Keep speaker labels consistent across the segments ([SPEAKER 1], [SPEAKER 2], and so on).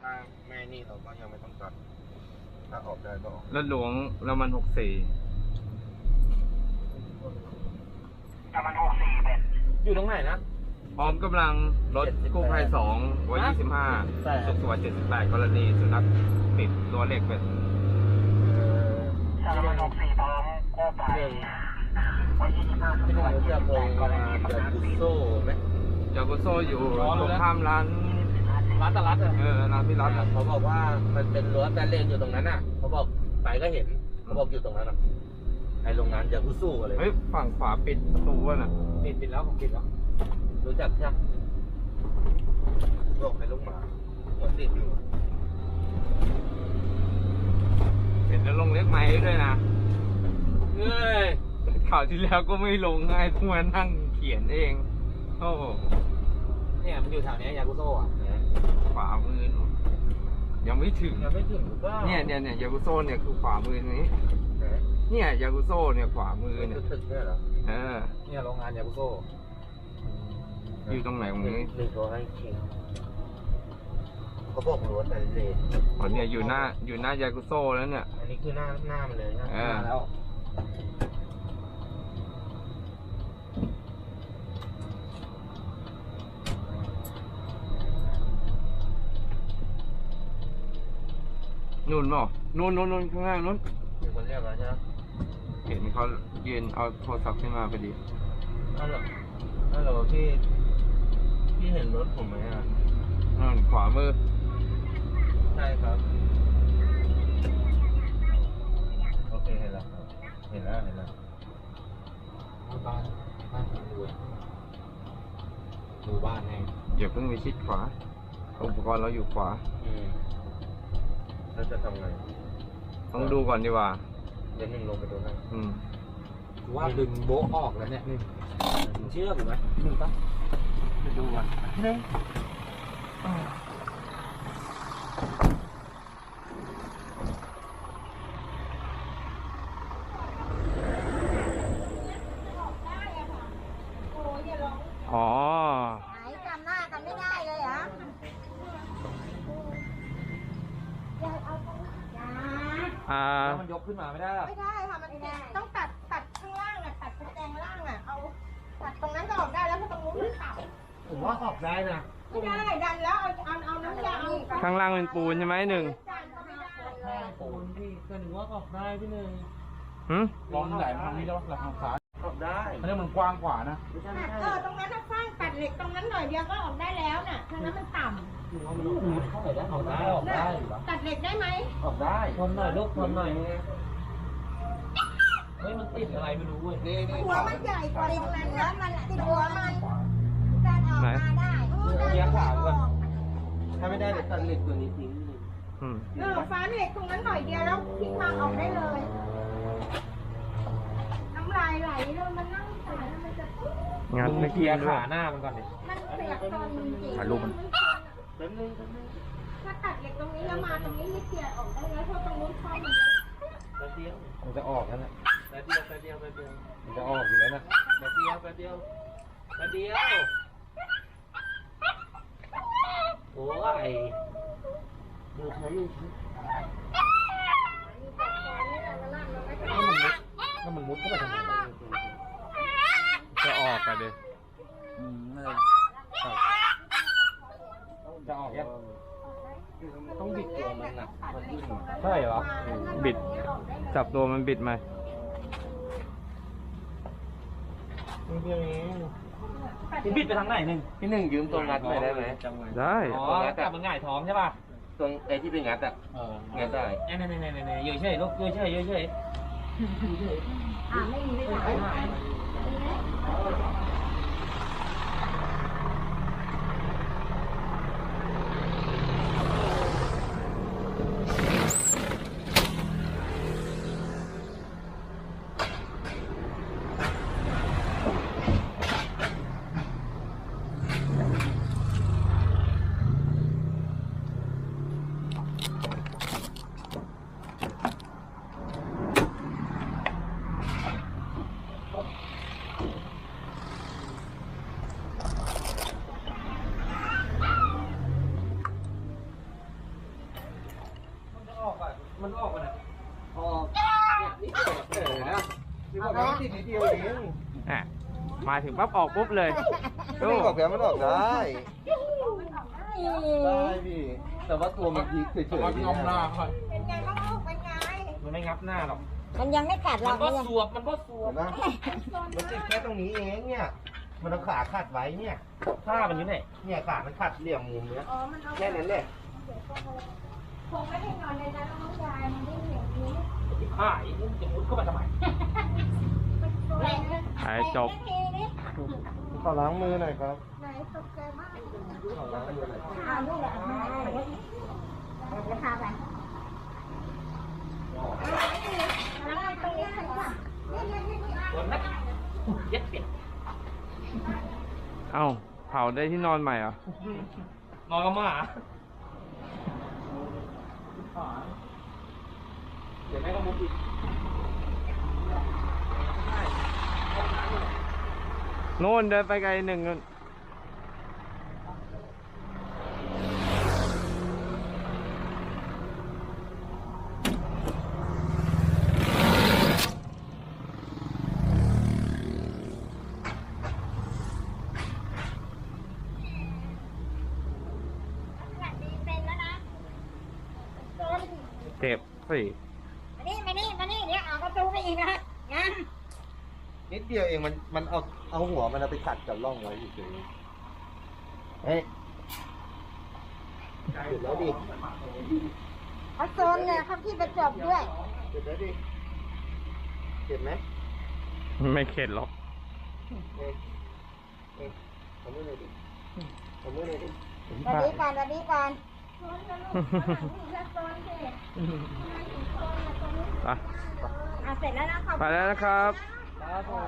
[SPEAKER 1] ถ้าแม่นี่เราก็ยังไม่ต้องตัดถ้าออกได้ก็ออก
[SPEAKER 2] รถหลวงแล้วมัน64
[SPEAKER 3] แต่มัน64เป็นอยู่ตรงไหนนะ
[SPEAKER 2] พร้อมกำลังรถกู้ภัย2 125สุขสวัสดิ์78กรณีสุนัขติดรั้วเหล็กเป็น
[SPEAKER 3] แต่มัน64พร้อมกู้ภัย
[SPEAKER 1] ที่ไหนจะคงจะกุโซ่ไหม
[SPEAKER 2] จากกุโซ่อยู่ตรงข้ามร้าน
[SPEAKER 3] ตลาด
[SPEAKER 2] ร้านพี่รัฐ
[SPEAKER 1] เขาบอกว่ามันเป็นรั้วแบนเลนอยู่ตรงนั้นน่ะเขาบอกไปก็เห็นเขาบอกอยู่ตรงนั้นน่ะไอ้โรงงานยากุโซ่อะไร
[SPEAKER 2] เฮ้ยฝั่งขวาปิดประตูวะน่ะ
[SPEAKER 3] ปิดแล้วผมปิดแล้ว
[SPEAKER 1] รู้จักใช่ไหมโรคเป็นลูกหมาหัวติดอยู่
[SPEAKER 2] เห็นแล้วลงเล็กไม้ด้วยนะเอ้ยข่าวที่แล้วก็ไม่ลงไงทุกวันนั่งเขียนเองโอ้
[SPEAKER 3] เนี่ยมันอยู่แถวนี้ยากุโซ่อะ
[SPEAKER 2] ขวามือยังไม่ถึง
[SPEAKER 1] หรือเปล่า
[SPEAKER 2] เนี่ยยากุโซ่เนี่ยคือขวามือนี้เนี่ยยากุโซ่เนี่ยขวามือเนี่ย
[SPEAKER 1] ตึกเนี่ยเหรอ
[SPEAKER 3] เนี่ยโรงงานยากุโซ่
[SPEAKER 2] อยู่ตรงไหนตรงนี้
[SPEAKER 1] หนึ่งตัวให้เช็คเขาบอกรั้วแต่เลน
[SPEAKER 2] อ๋อเนี่ยอยู่หน้ายากุโซ่แล้วเนี่ย
[SPEAKER 1] อันนี้คือหน้ามันเลยนะ
[SPEAKER 3] แล้ว
[SPEAKER 2] นู่นเนาะนู่นข้างล่างนู่น
[SPEAKER 1] มีคนเรียกแล้วใช่ไหม
[SPEAKER 2] เห็นเขายืนเอาโทรศัพท์ขึ้นมาพอดี
[SPEAKER 1] ฮัลโหลพี่เห็นรถผมไหมอ่ะ
[SPEAKER 2] ขวามือ
[SPEAKER 1] ใช่ครับโอเคเห็นแล้วครับเห็นแล้ว
[SPEAKER 3] บ้านดูบ้านให้
[SPEAKER 2] อย่าเพิ่งไปชิดขวาอุปกรณ์เราอยู่ขวา
[SPEAKER 1] แล้วจะทำไง
[SPEAKER 2] ต้องดูก่อนดีกว่า
[SPEAKER 1] เดี๋ยวหนึ่งลงไปดูให้
[SPEAKER 3] ว่าดึงโบ๊ะออกแล้วเนี่ยเชื่อผมไหมดูปะ
[SPEAKER 2] ไปดูก่อน
[SPEAKER 3] นี่
[SPEAKER 2] อ๋อ
[SPEAKER 4] ไหนจำหน้ากันไม่ได้เลยเหรอ
[SPEAKER 3] มันยกขึ้นมาไม่ได้
[SPEAKER 4] ไม่ได้ค่ะมันต้องตัดข้างล่างอ่ะตัดแกงล่างอ่ะเอาตัดตรงนั้นก็ออกได้แล้วเพราะตรงนู้นมันต่ำ
[SPEAKER 1] ผมว่าออกได้นะ
[SPEAKER 4] ไม่ได้ดันแล้วเอาน้ำยา
[SPEAKER 2] ข้างล่างเป็นปูนใช่ไหมหนึ่ง
[SPEAKER 1] ปูนพี่ก็หนึ่งว่าออกได้พี่หนึ่ง
[SPEAKER 3] ลองไหนทางนี้แล้วหลังขา
[SPEAKER 1] ออกได้
[SPEAKER 3] อันนี้มันกว้างกว่านะ
[SPEAKER 4] ตรงนั้นฟางตัดเหล็กตรงนั้นหน่อยเดียวก็ออกได้แล้วน่ะทางนั้นมันต่ำ
[SPEAKER 1] เข้าไปได้ออกได้
[SPEAKER 4] ตัดเหล็กได้ไหม
[SPEAKER 1] ออกได้ทนหน่อยลูกทนหน่อย
[SPEAKER 3] เฮ้ยมันติดอะไรไม่รู้เว้ย
[SPEAKER 4] หัวมันใหญ่กว่าตรงนั้นแล้วมันติดหัวมันการออกมาได้
[SPEAKER 1] เยียร์ขวาก่อนถ้าไม่ได้เดี๋ยวตัดเหล็กตัวนี้ทิ้ง
[SPEAKER 4] ฟ้าเหล็กตรงนั้นหน่อยเดียวแล้วทิ้งทางออกได้เลยน้ำลายไหลเลยมันนั่งสายมันจะ
[SPEAKER 2] งัด
[SPEAKER 3] เกียร์ขาหน้ามันก่อนดิ
[SPEAKER 4] มันเปียกตอนจริง
[SPEAKER 2] ถ่ายรูปมัน
[SPEAKER 4] ถ้าตัดเหล็กตรงนี้แล้วมาตรงนี้ไม่เกียร์ออกได้แล้วเพราะตรงนู้นช่อง
[SPEAKER 3] มันจะออกแล้วนะ
[SPEAKER 1] แป๊บเดียว
[SPEAKER 3] มันจะออกอยู่แล้วนะ
[SPEAKER 1] แป๊บเดียวโอ้ยดูใช้
[SPEAKER 3] ถ้ามันมุดเข้าไปทำไม
[SPEAKER 2] จะออกกันดิ
[SPEAKER 3] จะออกยัง
[SPEAKER 1] ต้องบิดตัวมันนะ
[SPEAKER 3] ใช่เหรอ
[SPEAKER 2] บิดจับตัวมันบิดไหม
[SPEAKER 3] บิดไปทางไหนหนึ่ง
[SPEAKER 1] พี่หนึ่งยืมตัวงัดไปได้ไหม
[SPEAKER 2] ได้
[SPEAKER 3] อ๋อแต่มันง่ายท้องใช่ป่ะ
[SPEAKER 1] ตรงไอ้ที่เป็นงัดอ่ะงัดได้
[SPEAKER 3] เนี่ยยืดเฉยลูกยืดเฉย
[SPEAKER 4] ไม่มีไม่ได้
[SPEAKER 3] มันออกมาออกเนี่ยนี่เดียวนะที่บอกว่าติดนิดเดียวเอง
[SPEAKER 2] อ่ะมาถึงปั๊บออกปุ๊บเลย
[SPEAKER 3] ไม่ได้บอกแผลมันออกได้ ได้พี่แต่ว่าตัวมันพีเฉยๆ
[SPEAKER 4] เป็นไงบ้างลูกเป็นไง
[SPEAKER 1] มันไม่งับหน้าหรอก
[SPEAKER 4] มันยังไม่กัดหร
[SPEAKER 1] มั
[SPEAKER 4] อน ก
[SPEAKER 1] ก็
[SPEAKER 4] มันยัง
[SPEAKER 1] สวบมันก็สวบ
[SPEAKER 3] นะมันติดแค่ตรงนี้เองเนี่ย มันเอาขาขัดไว้เนี่ย
[SPEAKER 1] ผ้ามันอยู่ไหน
[SPEAKER 3] เนี่ยขามันขัดเหลี่ยมมุมเนี้ย
[SPEAKER 4] อ๋อมันเอา
[SPEAKER 3] แค่นั้นแหละ
[SPEAKER 4] คงไม่ได้นอนในนั้นน้องยายมันได้เหนียวนี้
[SPEAKER 1] ผ้าอีกจะมุดเข้าไปทำไม
[SPEAKER 4] แหลก
[SPEAKER 2] หายจบ
[SPEAKER 4] ทีนี้
[SPEAKER 3] ขอล้างมือหน่อยครับ
[SPEAKER 4] ไหนตกใจมาก
[SPEAKER 3] ขอล้างมือหน่อย
[SPEAKER 4] อ่านี่แหละมาจะพาไปแล้วมันตรงนี้ค่ะนี่
[SPEAKER 1] โดนไหมเย็ดเปียก
[SPEAKER 2] เอ้าเผาได้ที่นอนใหม่เหรอ
[SPEAKER 1] นอนกับหมาเดี๋ยวแม่ก็มุดอีก
[SPEAKER 2] โน่นเดินไปไกลหนึ่งนู่น
[SPEAKER 4] เป็นแล้วนะโดน
[SPEAKER 2] เจ็บสิ
[SPEAKER 4] มานี่เดี๋ยวเอาประตูไปอีกนะนะ
[SPEAKER 3] นิดเดียวเองมันเอาหัวมันเอาไปขัดกับร่องไว้เฉยๆเฮ้ยหยุดแล้วดิ
[SPEAKER 4] เขาโซนเนี่ยเขาที่ประจบด้วย
[SPEAKER 3] หยุดแล้วดิเจ็บไหม
[SPEAKER 2] ไม่เข็ดหรอก
[SPEAKER 3] เอ๊ะทำมือหน่อยดิทำมือหน่อยดิ
[SPEAKER 4] ตอนนี้ก่อนโซนสิ
[SPEAKER 2] ไป
[SPEAKER 4] อ่ะเสร็จแล้วนะขอบ
[SPEAKER 2] ไปแล้วนะครับ
[SPEAKER 3] ครับผม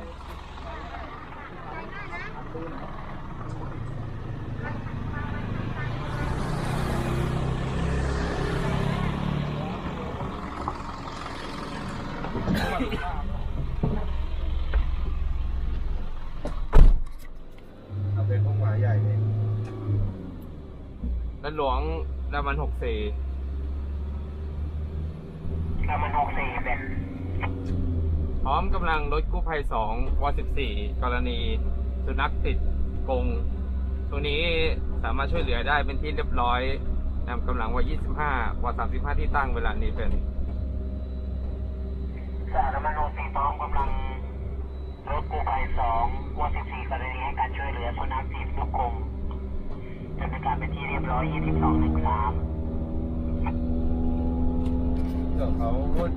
[SPEAKER 3] เอาเป็นพวกหมาใหญ่เลย
[SPEAKER 2] ด้านหลวงดามัน64 พร้อมกำลังรถกู้ภัย2ว14กรณีสุนัขติดกรงตัวนี้สามารถช่วยเหลือได้เป็นที่เรียบร้อยนำกำลังว25ว35ที่ตั้งเวลานี้เป็น
[SPEAKER 5] สารมโนสีพร้อมกำลังรถกู้ภัย2ว14กรณีให้การช่วยเหลือสุนัขติดลูกกรงจะเป็นการเป็นที่เรียบร้อย2213
[SPEAKER 3] เดี๋ยวเขา